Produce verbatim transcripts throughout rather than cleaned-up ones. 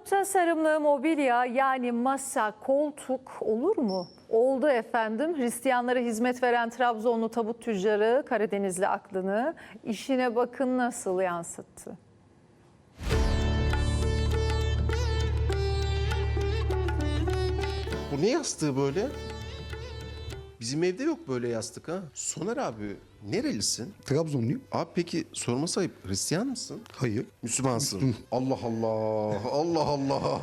Tasarımlı mobilya yani masa, koltuk olur mu? Oldu efendim. Hristiyanlara hizmet veren Trabzonlu tabut tüccarı Karadenizli aklını işine bakın nasıl yansıttı. Bu ne yastığı böyle? Bizim evde yok böyle yastık ha. Soner abi nerelisin? Trabzonluyum. Abi peki sorması ayıp, Hristiyan mısın? Hayır. Müslümansın. Allah Allah, Allah Allah.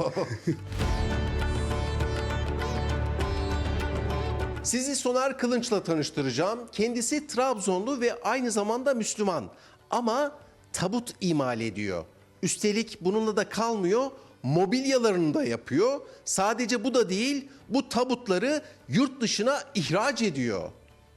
Sizi Soner Kılınç'la tanıştıracağım. Kendisi Trabzonlu ve aynı zamanda Müslüman. Ama tabut imal ediyor. Üstelik bununla da kalmıyor. Mobilyalarını da yapıyor. Sadece bu da değil, bu tabutları yurt dışına ihraç ediyor.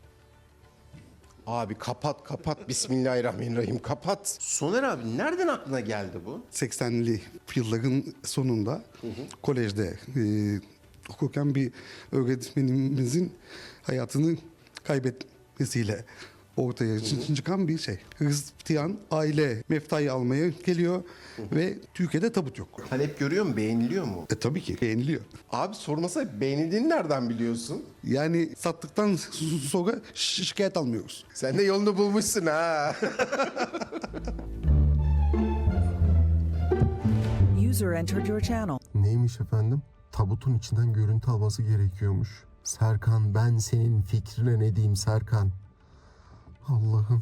Abi kapat kapat, Bismillahirrahmanirrahim, kapat. Soner abi nereden aklına geldi bu? seksenli yılların sonunda hı hı. kolejde e, okurken bir öğretmenimizin hayatını kaybetmesiyle ortaya hı hı. çıkan bir şey. Hristiyan aile meftayı almaya geliyor hı hı. ve Türkiye'de tabut yok. Talep görüyor mu? Beğeniliyor mu? E tabii ki beğeniliyor. Abi sormasa beğenildiğini nereden biliyorsun? Yani sattıktan sonra şi- şikayet almıyoruz. Sen de yolunu bulmuşsun ha. User entered your channel. Neymiş efendim? Tabutun içinden görüntü alması gerekiyormuş. Serkan, ben senin fikrine ne diyeyim Serkan? Allah'ım.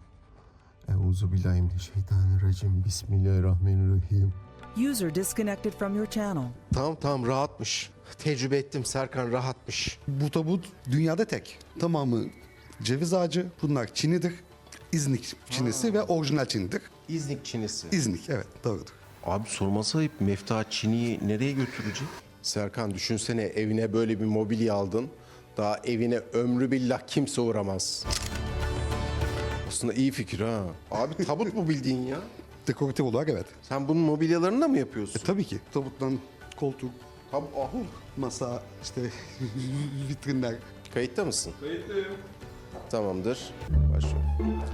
Euzubillahimineşşeytanirracim. Bismillahirrahmanirrahim. User disconnected from your channel. Tamam tamam, rahatmış. Tecrübe ettim, Serkan rahatmış. Bu tabut dünyada tek. Tamamı ceviz ağacı. Bunlar çinidir. İznik çinisi ve orijinal çinidir. İznik çinisi. İznik, evet, doğrudur. Abi sorması ayıp, Mefta Çini'yi nereye götürecek? Serkan düşünsene, evine böyle bir mobilya aldın. Daha evine ömrü billah kimse uğramaz. Aslında iyi fikir ha. Abi tabut mu bildiğin ya? Dekoratif olarak evet. Sen bunun mobilyalarını da mı yapıyorsun? E, tabii ki. Tabuttan koltuk, Tab ahu. masa, işte vitrinler. Kayıtta mısın? Kayıttayım. Tamamdır. Başlıyorum.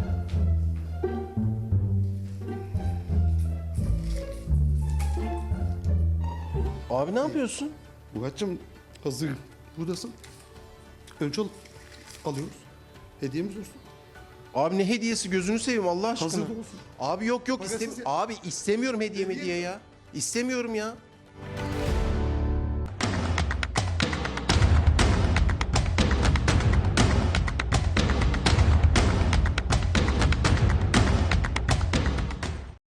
Abi ne yapıyorsun? Murat'cığım hazır buradasın. Önce al- alıyoruz. Hediyemiz olsun. Abi ne hediyesi, gözünü seveyim Allah aşkına. Hazır olsun. Abi yok yok, Parasız istem ya. abi istemiyorum hediye hediye ya. İstemiyorum ya.